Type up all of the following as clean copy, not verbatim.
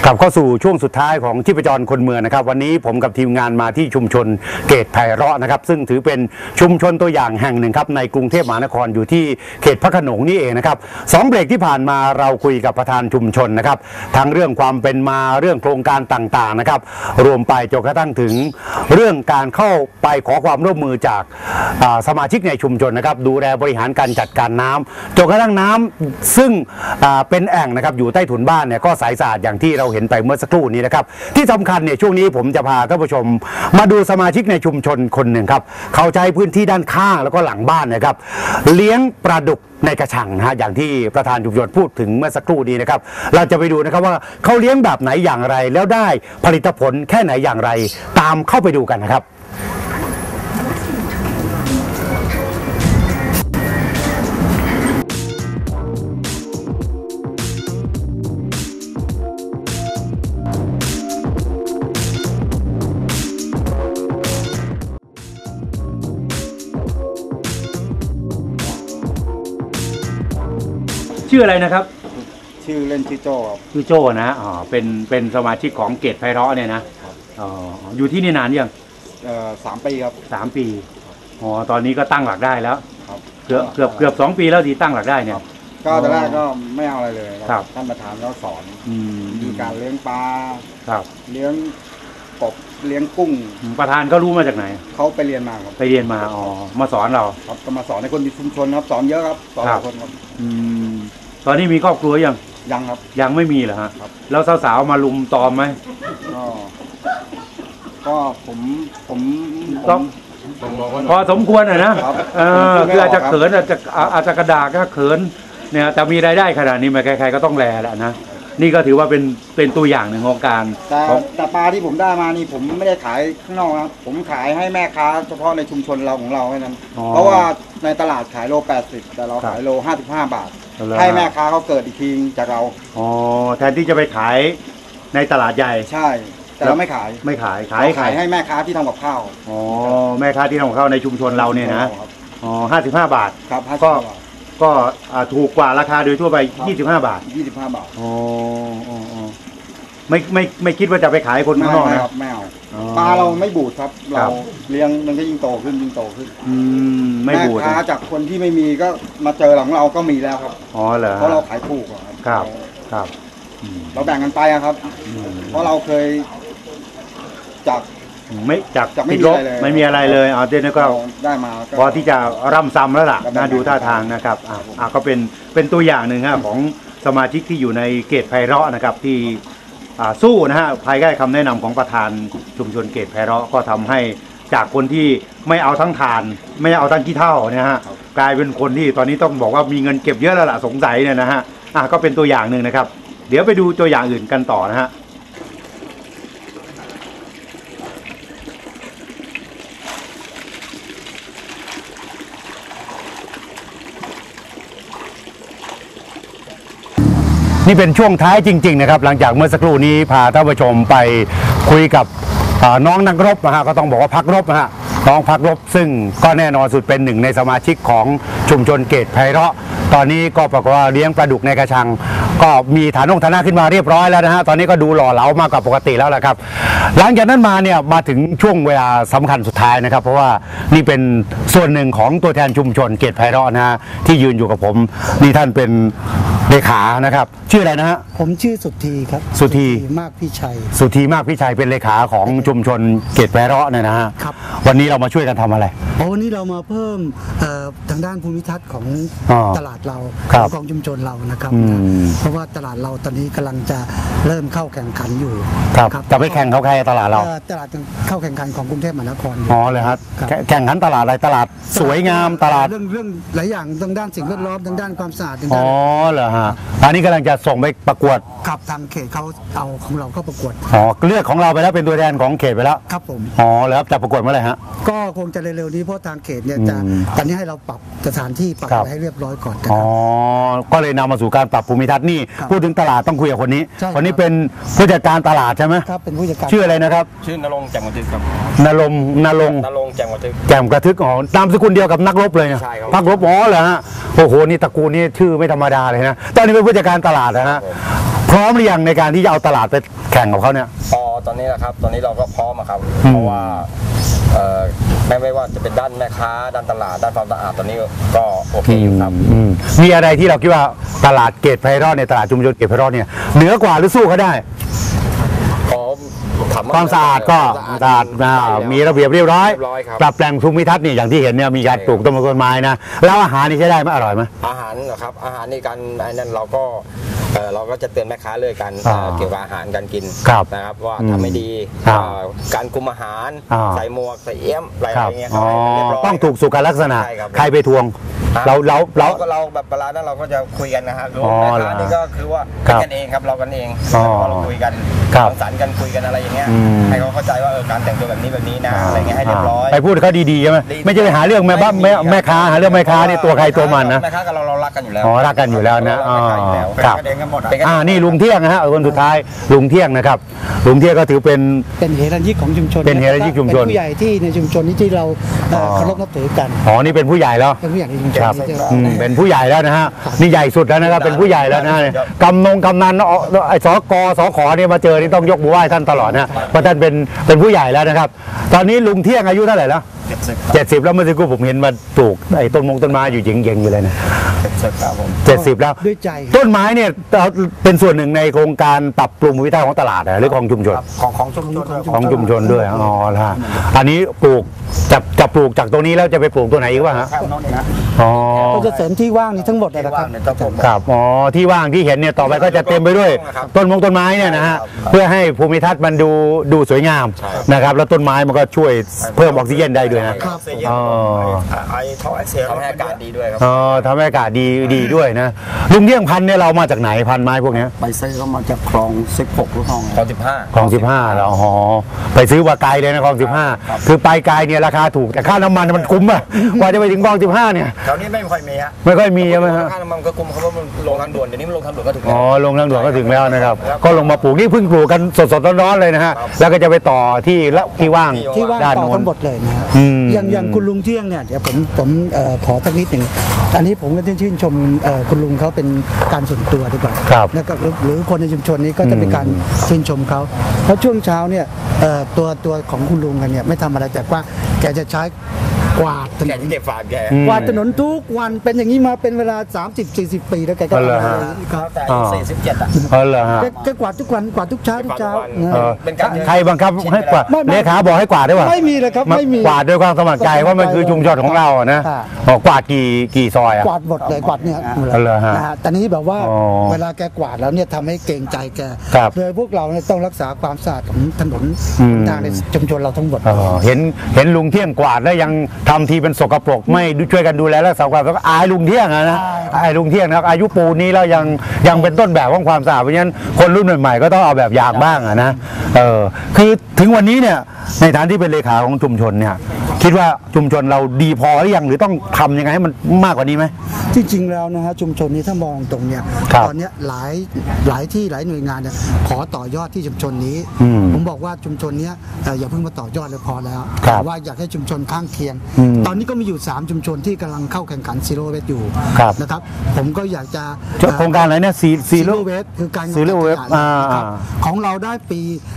กลับเข้าสู่ช่วงสุดท้ายของชีพจรคนเมืองนะครับวันนี้ผมกับทีมงานมาที่ชุมชนเกตไพเราะนะครับซึ่งถือเป็นชุมชนตัวอย่างแห่งหนึ่งครับในกรุงเทพมหานครอยู่ที่เขตพระโขนงนี่เองนะครับ2 เบรกที่ผ่านมาเราคุยกับประธานชุมชนนะครับทั้งเรื่องความเป็นมาเรื่องโครงการต่างๆนะครับรวมไปจนกระทั่งถึงเรื่องการเข้าไปขอความร่วมมือจากสมาชิกในชุมชนนะครับดูแลบริหารการจัดการน้ำจนกระทั่งน้ำซึ่งเป็นแอ่งนะครับอยู่ใต้ถุนบ้านเนี่ยก็ใสสะอาดอย่างที่เราเห็นไปเมื่อสักครู่นี้นะครับที่สำคัญเนี่ยช่วงนี้ผมจะพาท่านผู้ชมมาดูสมาชิกในชุมชนคนหนึ่งครับเขาใช้พื้นที่ด้านข้างแล้วก็หลังบ้านนะครับเลี้ยงปลาดุกในกระชังนะฮะอย่างที่ประธานชุมชนพูดถึงเมื่อสักครู่นี้นะครับเราจะไปดูนะครับว่าเขาเลี้ยงแบบไหนอย่างไรแล้วได้ผลิตผลแค่ไหนอย่างไรตามเข้าไปดูกันนะครับชื่ออะไรนะครับชื่อเล่นชื่อโจ้ครับชื่อโจ้นะอ๋อเป็นสมาชิกของเกตไพเราะเนี่ยนะอ๋ออยู่ที่นี่นานยัง 3 ปีครับ 3 ปีอ๋อตอนนี้ก็ตั้งหลักได้แล้วครับเกือบ2 ปีแล้วที่ตั้งหลักได้เนี่ยก็ตอนแรกก็ไม่เอาอะไรเลยครับท่านประธานก็สอนมีการเลี้ยงปลาครับเลี้ยงกบเลี้ยงกุ้งประธานก็รู้มาจากไหนเขาไปเรียนมาครับไปเรียนมาอ๋อมาสอนเราครับก็มาสอนในคนในชุมชนครับสอนเยอะครับสอนหลายคนครับตอนนี้มีครอบครัวยังครับยังไม่มีเหรอฮะแล้วสาวๆมาลุมตอมไหมก็ผมต้องพอสมควรนะคืออาจจะเขินอาจจะกระดากก็เขินเนี่ยแต่มีรายได้ขนาดนี้มาใครๆก็ต้องแลแหละนะนี่ก็ถือว่าเป็นตัวอย่างหนึ่งของการแต่ปลาที่ผมได้มานี่ผมไม่ได้ขายข้างนอกครับผมขายให้แม่ค้าเฉพาะในชุมชนเราของเราแค่นั้นเพราะว่าในตลาดขายโล80แต่เราขายโล55 บาทให้แม่ค้าเขาเกิดอีกทีจากเราอ๋อแทนที่จะไปขายในตลาดใหญ่ใช่แต่เราไม่ขายขายให้แม่ค้าที่ทำกับข้าวอ๋อแม่ค้าที่ทำกับข้าวในชุมชนเราเนี่ยนะอ๋อ55 บาทครับก็ถูกกว่าราคาโดยทั่วไป25 บาทอ๋อไม่คิดว่าจะไปขายคนข้างนอกนะไม่เอาปลาเราไม่บูดครับเราเลี้ยงมันก็ยิ่งโตขึ้นไม่บูดแม่ค้าจากคนที่ไม่มีก็มาเจอหลังเราก็มีแล้วครับอ๋อเหรอเพราะเราขายถูกครับเราแบ่งกันไปครับเพราะเราเคยจากไม่ลบไม่มีอะไรเลยเดี๋ยวนี้ก็ได้มาพอที่จะร่ำซ้ำแล้วล่ะน่าดูท่าทางนะครับก็เป็นตัวอย่างหนึ่งของสมาชิกที่อยู่ในเกตไพเราะนะครับที่สู้นะฮะภายใต้คำแนะนำของประธานชุมชนเกตไพเราะก็ทำให้จากคนที่ไม่เอาทั้งถ่านไม่เอาทั้งขี้เถ้าเนี่ยฮะกลายเป็นคนที่ตอนนี้ต้องบอกว่ามีเงินเก็บเยอะแล้วล่ะสงสัยเนี่ยนะฮะก็เป็นตัวอย่างหนึ่งนะครับเดี๋ยวไปดูตัวอย่างอื่นกันต่อนะฮะนี่เป็นช่วงท้ายจริงๆนะครับหลังจากเมื่อสักครู่นี้พาท่านผู้ชมไปคุยกับน้องนักรบนะฮะก็ต้องบอกว่าพักรบนะฮะน้องพักรบซึ่งก็แน่นอนสุดเป็นหนึ่งในสมาชิกของชุมชนเกตไพเราะตอนนี้ก็ปรากฏว่าเลี้ยงปลาดุกในกระชังก็มีฐานะขึ้นมาเรียบร้อยแล้วนะฮะตอนนี้ก็ดูหล่อเหลามากกว่าปกติแล้วแหละครับหลังจากนั้นมาเนี่ยมาถึงช่วงเวลาสำคัญสุดท้ายนะครับเพราะว่านี่เป็นส่วนหนึ่งของตัวแทนชุมชนเกตไพเราะนะฮะที่ยืนอยู่กับผมนี่ท่านเป็นเลขานะครับชื่ออะไรนะฮะผมชื่อสุธีครับสุธีมากพิชัยเป็นเลขาของชุมชนเกตไพเราะเนี่ยนะฮะครับวันนี้เรามาช่วยกันทำอะไรวันนี้เรามาเพิ่มทางด้านภูมิทัศน์ของตลาดเราของชุมชนเรานะครับเพราะว่าตลาดเราตอนนี้กำลังจะเริ่มเข้าแข่งขันอยู่ครับจะไปแข่งเขาใครตลาดเราตลาดเข้าแข่งขันของกรุงเทพมหานครอ๋อเลยครับแข่งขันตลาดอะไรตลาดสวยงามตลาดเรื่องหลายอย่างทางด้านสิ่งแวดล้อมทางด้านความสะอาดอ๋อเหรอฮะอันนี้กำลังจะส่งไปประกวดครับทางเขตเขาเอาของเราเข้าประกวดเลือกของเราไปแล้วเป็นตัวแทนของเขตไปแล้วครับผมแล้วจะประกวดเมื่อไหร่ฮะก็คงจะเร็วๆนี้เพราะทางเขตเนี่ยจะตอนนี้ให้เราปรับสถานที่ปรับอะไรให้เรียบร้อยก่อนก็เลยนำมาสู่การปรับภูมิทัศน์นี่พูดถึงตลาดต้องคุยกับคนนี้เป็นผู้จัดการตลาดใช่ไหมครับเป็นผู้จัดการชื่ออะไรนะครับชื่อนรงค์แจ่มกระทึกครับนรงค์แจ่มกระทึกนามสกุลเดียวกับนักรบเลยนะพักรบเหรอฮะโอ้โหนี่ตระกูลนี่ชื่อไม่ธรรมดาเลยนะตอนนี้เป็นผู้จัดการตลาดนะฮะพร้อมหรือยังในการที่จะเอาตลาดไปแข่งกับเขาเนี่ยตอนนี้นะครับ ตอนนี้เราก็พร้อมครับ เพราะว่าไม่ว่าจะเป็นด้านแม่ค้าด้านตลาดด้านความสะอาดตอนนี้ก็โอเคอยู่ครับมีอะไรที่เราคิดว่าตลาดเกตไพเราะในตลาดชุมชนเกตไพเราะเนี่ยเหนือกว่าหรือสู้เขาได้ความสะอาดก็สะอาดมีระเบียบเรียบร้อยปรับแปลงภูมิทัศน์นี่อย่างที่เห็นเนี่ยมีการปลูกต้นไม้นะแล้วอาหารนี่ใช้ได้ไหมอร่อยไหมอาหารเหรอครับอาหารนี่การไอ้นั่นเราก็จะเตือนแม่ค้าเลยกันเกี่ยวกับอาหารการกินนะครับว่าทำไม่ดีการคุมอาหารใส่หมวกใส่เอี้ยมอะไรอย่างเงี้ยต้องถูกสุขลักษณะใครไปทวงเราแบบเวลานั้นเราก็จะคุยกันนะครับแม่ค้านี่ก็คือว่าเป็นกันเองครับเรากันเองเราคุยกันสังสรรค์กันคุยกันอะไรอย่างเงี้ยให้เขาเข้าใจว่าการแต่งตัวแบบนี้นะอะไรเงี้ยให้เรียบร้อยไปพูดเขาดีๆใช่ไหมไม่ใช่ไปหาเรื่องแม่ค้าหาเรื่องแม่ค้านี่ตัวใครตัวมันนะแม่ค้ากับเรารักกันอยู่แล้วรักกันอยู่แล้วนะครับนี่ลุงเที่ยงนะฮะคนสุดท้ายลุงเที่ยงนะครับลุงเที่ยงก็ถือเป็นเฮรัญญิกของชุมชนเป็นเฮรัญญิกชุมชนผู้ใหญ่ที่ในชุมชนนี้ที่เราเคารพนับถือกันนี่เป็นผู้ใหญ่แล้วเป็นผู้ใหญ่ในชุมชนเป็นผู้ใหญ่แล้วนะฮะนี่ใหญ่สุดแล้วนะครับเป็นผู้ใหญ่แล้วนะกำนันไอ้สขเนี่ยมาเจอนี่ต้องยกมือไหว้ท่านตลอดนะเพราะท่านเป็นผู้ใหญ่แล้วนะครับตอนนี้ลุงเที่ยงอายุเท่าไหร่แล้ว70แล้วเมื่อสักครู่ผมเห็นมาปลูกไอ้ต้นไม้อยู่เย็งๆอยู่เลยนะ70แล้วด้วยใจต้นไม้เนี่ยเป็นส่วนหนึ่งในโครงการปรับปรุงวิถีของตลาดหรือของชุมชนของชุมชนด้วยล่ะอันนี้ปลูกจะปลูกจากตรงนี้แล้วจะไปปลูกตัวไหนอีกวะฮะก็จะเสริมที่ว่างนี้ทั้งหมดเลยนะครับครับที่ว่างที่เห็นเนี่ยต่อไปก็จะเต็มไปด้วยต้นไม้เนี่ยนะฮะเพื่อให้ภูมิทัศน์มันดูสวยงามนะครับแล้วต้นไม้มันก็ช่วยเพิ่มออกซิเจนได้ด้วยนะทำให้อากาศดีด้วยครับทำให้อากาศดีด้วยนะลุงเที่ยงพันธุ์เนี่ยเรามาจากไหนพันธุ์ไม้พวกนี้ไปซื้อเขามาจากคลอง16หรือคลอง15แล้วไปซื้อว่าไกลเลยนะคลอง15คือไปไกลเนี่ยราคาถูกแต่ค่าน้ำมันมันคุ้มอะกว่าจะไปถึงคลอง15เนี่ยแถวนี้ไม่ค่อยมีฮะไม่ค่อยมีใช่ไหมฮะค่าน้ำมันก็คุ้มเพราะว่ามันลงทางด่วนเดี๋ยวนี้มันลงทางด่วนก็ถึงลงทางด่วนก็ถึงแล้วนะครับก็ลงมาปลูกนี่เพิ่งปลูกกันสดๆร้อนๆเลยนะฮะแล้วก็จะไปต่อที่ว่างด้านโน้นทั้งหมดเลยนะอย่างคุณลุงเที่ยงเนี่ยเดี๋ยวผมขอสักนิดหนึ่งอันนี้ผมก็ชื่นชมคุณลุงเขาเป็นการส่วนตัวดีกว่านะครับหรือคนในชุมชนนี้ก็จะเป็นการชื่นชมเขาเพราะช่วงเช้าเนี่ยตัวของคุณลุงกันเนี่ยไม่ทำอะไรแต่ว่าแกจะใช้กวาดถนนเก็บฝาแกกวาดถนนทุกวันเป็นอย่างนี้มาเป็นเวลา30-40 ปีแล้วแกก็แต่47อ่ะแกกวาดทุกวันกวาดทุกเช้าใครบังคับให้กวาดเลขาบอกให้กวาดได้ป่ะไม่มีเลยครับไม่มีกวาดด้วยความสมัครใจว่ามันคือชุมชนของเรานะกวาดกี่ซอยอ่ะกวาดหมดเลยกวาดเนี่ยแต่นี้แบบว่าเวลาแกกวาดแล้วเนี่ยทำให้เกรงใจแกเลยพวกเราเนี่ยต้องรักษาความสะอาดของถนนทางในชุมชนเราทั้งหมดเห็นลุงเที่ยงกวาดแล้วยังทำทีเป็นสกปรกไม่ช่วยกันดูแลรักษาความสะอาดอายลุงเที่ยงนะอายลุงเที่ยงนะครับอายุปูนี้แล้วยังเป็นต้นแบบของความสะอาดเพราะฉะนั้นคนรุ่นใหม่ๆก็ต้องเอาแบบอย่างบ้างนะคือถึงวันนี้เนี่ยในฐานที่เป็นเลขาของชุมชนเนี่ยคิดว่าชุมชนเราดีพอหรือยังหรือต้องทำยังไงให้มันมากกว่านี้ไหมจริงๆแล้วนะฮะชุมชนนี้ถ้ามองตรงเนี่ยตอนนี้หลายที่หลายหน่วยงานเนี่ยขอต่อยอดที่ชุมชนนี้ผมบอกว่าชุมชนนี้อย่าเพิ่งมาต่อยอดเลยพอแล้วแต่ว่าอยากให้ชุมชนข้างเคียงตอนนี้ก็มีอยู่3ชุมชนที่กำลังเข้าแข่งขันซีโร่เวสอยู่นะครับผมก็อยากจะโครงการอะไรเนี่ยซีโร่เวสคือการซีโร่เวสของเราได้ปี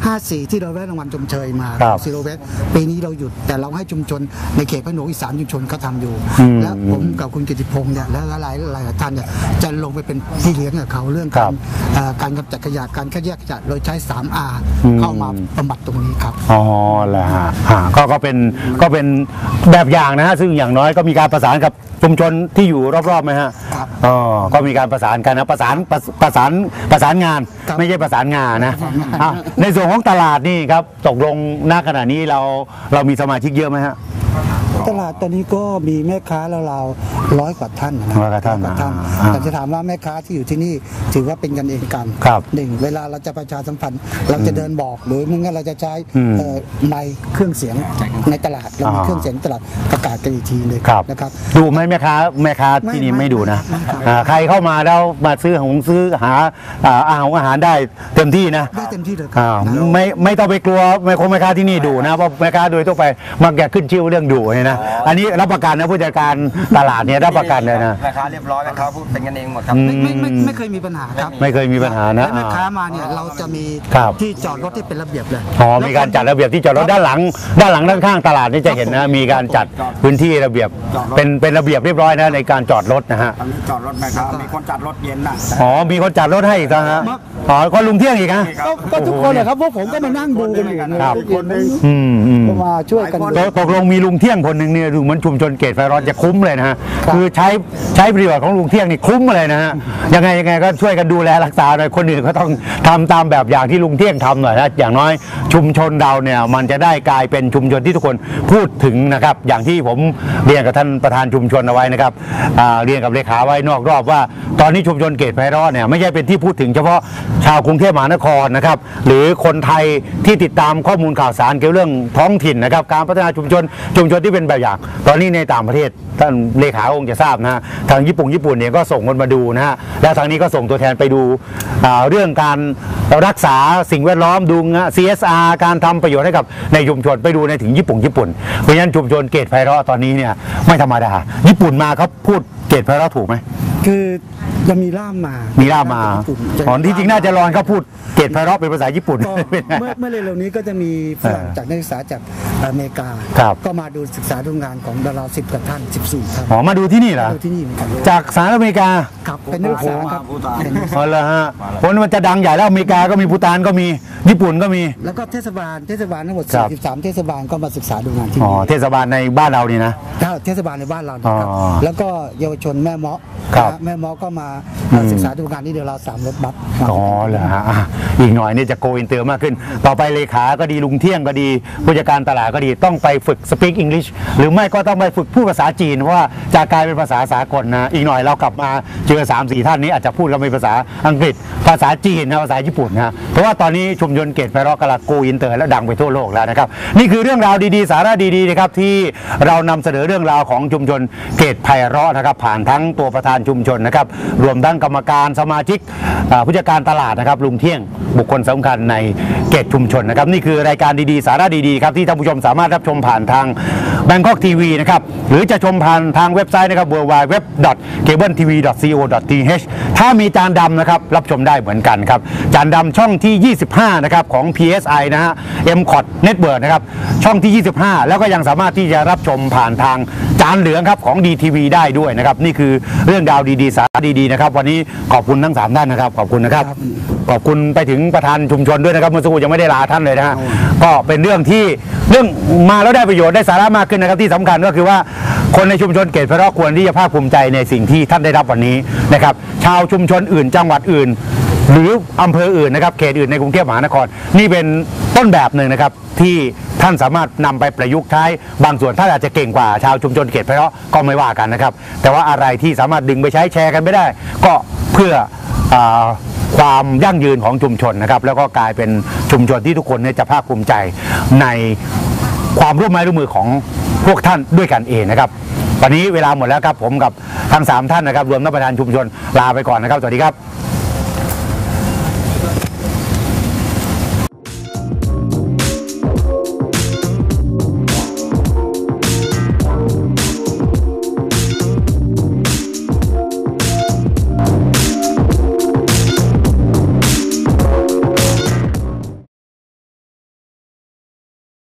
54ที่เราได้รางวัลชมเชยมาซีโร่เวสปีนี้เราหยุดแต่เราให้ชุมชนในเขตพระโขนงอีก3ชุมชนเขาทำอยู่และผมกับคุณกิติพงษ์เนี่ยและหลายท่านเนี่ยจะลงไปเป็นพี่เลี้ยงกับเขาเรื่องการกำจัดขยะการคัดแยกขยะโดยใช้ 3R เข้ามาบำบัดตรงนี้ครับแล้วก็เป็นแบบอย่างนะฮะซึ่งอย่างน้อยก็มีการประสานกับชุมชนที่อยู่รอบๆไหมฮะก็มีการประสานกันนะประสานงานไม่ใช่ประสานงานนะในส่วนของตลาดนี่ครับตกลงณขณะนี้เรามีสมาชิกเยอะไหมฮะตลาดตอนนี้ก็มีแม่ค้าเรา100 กว่าท่านนะแต่จะถามว่าแม่ค้าที่อยู่ที่นี่ถือว่าเป็นกันเองกันหนึ่งเวลาเราจะประชาสัมพันธ์เราจะเดินบอกหรือไม่งั้นเราจะใช้ไมค์เครื่องเสียงในตลาดเรามีเครื่องเสียงตลาดประกาศกันอีกทีเลยนะครับดูไหมแม่ค้าที่นี่ไม่ดูนะใครเข้ามาแล้วมาซื้อหาอาหารได้เต็มที่นะได้เต็มที่เลยไม่ต้องไปกลัวแม่ค้าที่นี่ดูนะเพราะแม่ค้าโดยทั่วไปมักจะขึ้นชื่อเรื่องดูนะนะอันนี้รับประกันนะผู้จัดการตลาดเนี่ยรับประกันเลยนะแม่ค้าเรียบร้อยแม่ค้าพูดเป็นกันเองหมดครับไม่เคยมีปัญหาครับไม่เคยมีปัญหานะและแม่ค้ามาเนี่ยเราจะมีครับที่จอดรถที่เป็นระเบียบเลยอ๋อมีการจัดระเบียบที่จอดรถด้านหลังด้านข้างตลาดนี่จะเห็นนะมีการจัดพื้นที่ระเบียบเป็นระเบียบเรียบร้อยนะในการจอดรถนะฮะตอนนี้จอดรถแม่ค้ามีคนจัดรถเย็นน่ะอ๋อมีคนจัดรถให้อีกนะฮะอ๋อก็ลุงเที่ยงอีกนะก็ทุกคนเลยครับพวกผมก็มานั่งดูกันอยู่ครับคนนึงอืมก็มาช่วยกันตกลงมีลุงเที่ยงคนหนึ่งเนี่ยดูเหมือนชุมชนเกตไฟร้อนจะคุ้มเลยนะฮะคือใช้ประโยชน์ของลุงเที่ยงนี่คุ้มเลยนะฮะยังไงก็ช่วยกันดูแลรักษาหน่อยคนอื่นก็ต้องทำตามแบบอย่างที่ลุงเที่ยงทำหน่อยนะอย่างน้อยชุมชนเราเนี่ยมันจะได้กลายเป็นชุมชนที่ทุกคนพูดถึงนะครับอย่างที่ผมเรียนกับท่านประธานชุมชนเอาไว้นะครับเรียนกับเลขาไว้นอกรอบว่าตอนนี้ชุมชนเกตไฟร้อนเนี่ยไม่ใช่เป็นที่พูดถึงเฉพาะชาวกรุงเทพมหานครนะครับหรือคนไทยที่ติดตามข้อมูลข่าวสารเกี่ยวเรื่องท้องถิ่นนะครับการพัฒนาชุมชนที่เป็นแบบอย่างตอนนี้ในต่างประเทศท่านเลขาคงจะทราบนะฮะทางญี่ปุ่นเนี่ยก็ส่งคนมาดูนะฮะแล้วทางนี้ก็ส่งตัวแทนไปดูเรื่องการรักษาสิ่งแวดล้อมดู CSR การทำประโยชน์ให้กับในชุมชนไปดูในถึงญี่ปุ่นเพราะฉะนั้นชุมชนเกตไพเราะตอนนี้เนี่ยไม่ธรรมดาญี่ปุ่นมาเขาพูดเกตไพเราะถูกไหมคือจะมีล่ามมาอ๋อที่จริงน่าจะรอนเขาพูดเกตไพเราะเป็นภาษาญี่ปุ่นเมื่อเร็วๆนี้ก็จะมีฝรั่งจากนักศึกษาจากอเมริกาก็มาดูศึกษาดูงานของดารา10 กว่าท่าน14 ท่านอ๋อมาดูที่นี่เหรอดูที่นี่เหมือนกันจากสหรัฐอเมริกาครับเป็นนักศึกษาครับอ๋อเหรอฮะเพราะมันจะดังใหญ่แล้วอเมริกาก็มีภูฏานก็มีญี่ปุ่นก็มีแล้วก็เทศบาลทั้งหมด43เทศบาลก็มาศึกษาดูงานที่นี่เทศบาลในบ้านเรานี่นะเทศบาลในบ้านเราครับแล้วก็เยาวชนแม่เมาะก็มาศึกษาดูงานที่เดียวเรา3 รถบัสอ๋อเหรอฮะอีกหน่อยนี่จะโกอินเตอร์มากขึ้นต่อไปเลขาก็ดีลุงเที่ยงก็ดีผู้จัดการตลาดก็ดีต้องไปฝึก speak English หรือไม่ก็ต้องไปฝึกพูดภาษาจีนเพราะว่าจะกลายเป็นภาษาสากลนะอีกหน่อยเรากลับมาเจอ 3-4 ท่านนี้อาจจะพูดกันเป็นภาษาอังกฤษภาษาจีนนะภาษาญี่ปุ่นนะเพราะว่าตอนนี้ชุมชนเกตไพเราะกำลังโกอินเตอร์และดังไปทั่วโลกแล้วนะครับนี่คือเรื่องราวดีๆสาระดีๆนะครับที่เรานำเสนอเรื่องราวของชุมชนเกตไพเราะนะครับผ่านทั้งตัวประธานชุมชนนะครับรวมทั้งกรรมการสมาชิกผู้จัดการตลาดนะครับลุงเที่ยงบุคคลสำคัญในเกตชุมชนนะครับนี่คือรายการดีๆสาระดีๆครับที่ท่านผู้ชมสามารถรับชมผ่านทาง Bangkok TV นะครับหรือจะชมผ่านทางเว็บไซต์นะครับ www.cabletv.co.th ถ้ามีจานดำนะครับรับชมได้เหมือนกันครับจานดำช่องที่25นะครับของ PSI นะฮะ MCOT Network นะครับช่องที่25แล้วก็ยังสามารถที่จะรับชมผ่านทางจานเหลืองครับของ DTV ได้ด้วยนะครับนี่คือเรื่องราวดีๆสาระดีๆนะครับวันนี้ขอบคุณทั้ง3ท่านนะครับขอบคุณนะครับขอบคุณไปถึงประธานชุมชนด้วยนะครับเมื่อสักครู่ยังไม่ได้ลาท่านเลยนะฮะก็เป็นเรื่องมาแล้วได้ประโยชน์ได้สาระมากขึ้นนะครับที่สำคัญก็คือว่าคนในชุมชนเกตไพเราะควรที่จะภาคภูมิใจในสิ่งที่ท่านได้รับวันนี้นะครับชาวชุมชนอื่นจังหวัดอื่นหรืออำเภออื่นนะครับเขตอื่นในกรุงเทพมหานครนี่เป็นต้นแบบหนึ่งนะครับที่ท่านสามารถนำไปประยุกต์ใช้บางส่วนท่านอาจจะเก่งกว่าชาวชุมชนเกตไพเราะก็ไม่ว่ากันนะครับแต่ว่าอะไรที่สามารถดึงไปใช้แชร์กันไม่ได้ก็เพื่อความยั่งยืนของชุมชนนะครับแล้วก็กลายเป็นชุมชนที่ทุกคนจะภาคภูมิใจในความร่วมไม้ร่วมมือของพวกท่านด้วยกันเองนะครับวันนี้เวลาหมดแล้วครับผมกับทั้ง3ท่านนะครับรวมทั้งประธานชุมชนลาไปก่อนนะครับสวัสดีครับ